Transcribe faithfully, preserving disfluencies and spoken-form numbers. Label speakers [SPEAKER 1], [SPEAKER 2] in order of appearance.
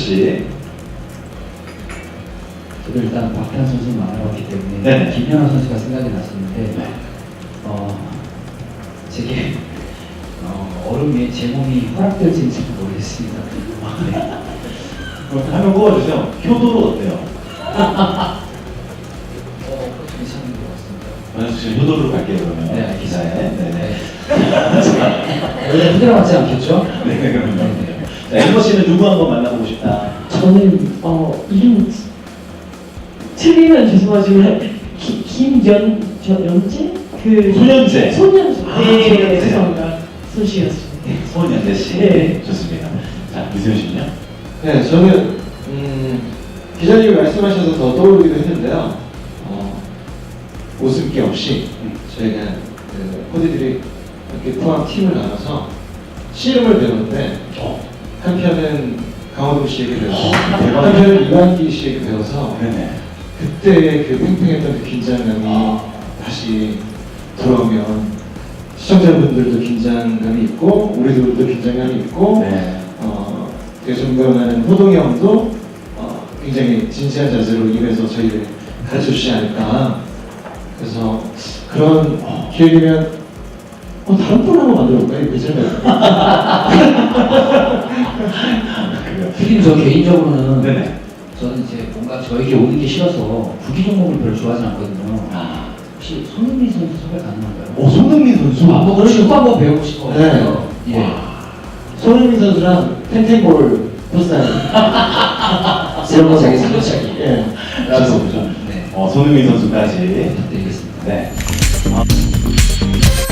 [SPEAKER 1] 씨.
[SPEAKER 2] 저도 일단 박태환 선수를 만나봤기 때문에
[SPEAKER 1] 네.
[SPEAKER 2] 김연아 선수가 생각이 났었는데 어, 제게 어, 얼음 위에 제 몸이 허락될지는 잘 모르겠습니다. 네.
[SPEAKER 1] 그럼 한번 뽑아주세요. 효도로 어때요?
[SPEAKER 2] 어, 그것도 괜찮은 것 같습니다.
[SPEAKER 1] 만약 지금 효도로 갈게요 그러면.
[SPEAKER 2] 네, 알겠습니다.
[SPEAKER 1] 네네.
[SPEAKER 2] 원래 후대로 맞지 않겠죠?
[SPEAKER 1] 네, 그럼요. 자, 엠버 씨는 누구 한번 만나보고 싶다.
[SPEAKER 3] 저는 어 이름 틀리면 죄송하지만 기, 김연 저 연재 그
[SPEAKER 1] 소년재.
[SPEAKER 3] 소년재
[SPEAKER 1] 아,
[SPEAKER 3] 네
[SPEAKER 1] 소년재.
[SPEAKER 3] 죄송합니다 손씨였습니다.
[SPEAKER 1] 손현재 씨.
[SPEAKER 3] 네.
[SPEAKER 1] 좋습니다. 자, 유세윤 씨는요?
[SPEAKER 4] 네, 저는 음, 기자님이 말씀하셔서 더 떠오르기도 했는데요. 어, 웃음기 없이 저희가 그 코디들이 이렇게 포함 팀을 나눠서 씨름을 배우는데 한 편은 강호동 씨에게 배워서
[SPEAKER 1] 대박.
[SPEAKER 4] 한 편은 이완기 씨에게 배워서
[SPEAKER 1] 네네.
[SPEAKER 4] 그때의 그 팽팽했던 그 긴장감이 다시 돌아오면 시청자분들도 긴장감이 있고 우리들도 긴장감이 있고
[SPEAKER 1] 네.
[SPEAKER 4] 어, 되게 존경하는 호동이 형도 어, 굉장히 진지한 자세로 임해서 저희를 가르쳐 주지 않을까. 그래서 그런 기회이면 어, 다른 분 한번 만들어 볼까요? 괜찮아요.
[SPEAKER 2] 특히 저 개인적으로는
[SPEAKER 1] 네네.
[SPEAKER 2] 저는 이제 뭔가 저에게 오는 게 싫어서 구기 종목을 별로 좋아하지 않거든요.
[SPEAKER 1] 아.
[SPEAKER 2] 혹시 손흥민 선수 섭외 가능한가요?
[SPEAKER 1] 오, 손흥민 선수.
[SPEAKER 2] 아, 뭐 축구 한번 배우고 싶어요.
[SPEAKER 4] 네.
[SPEAKER 2] 예.
[SPEAKER 4] 손흥민 선수랑 탱탱볼 포스타일
[SPEAKER 2] 이런 거 자기 살려차기.
[SPEAKER 4] 예.
[SPEAKER 1] 라고
[SPEAKER 2] 네.
[SPEAKER 1] 어, 손흥민 선수까지.
[SPEAKER 2] 부탁드리겠습니다.
[SPEAKER 1] 네. 아.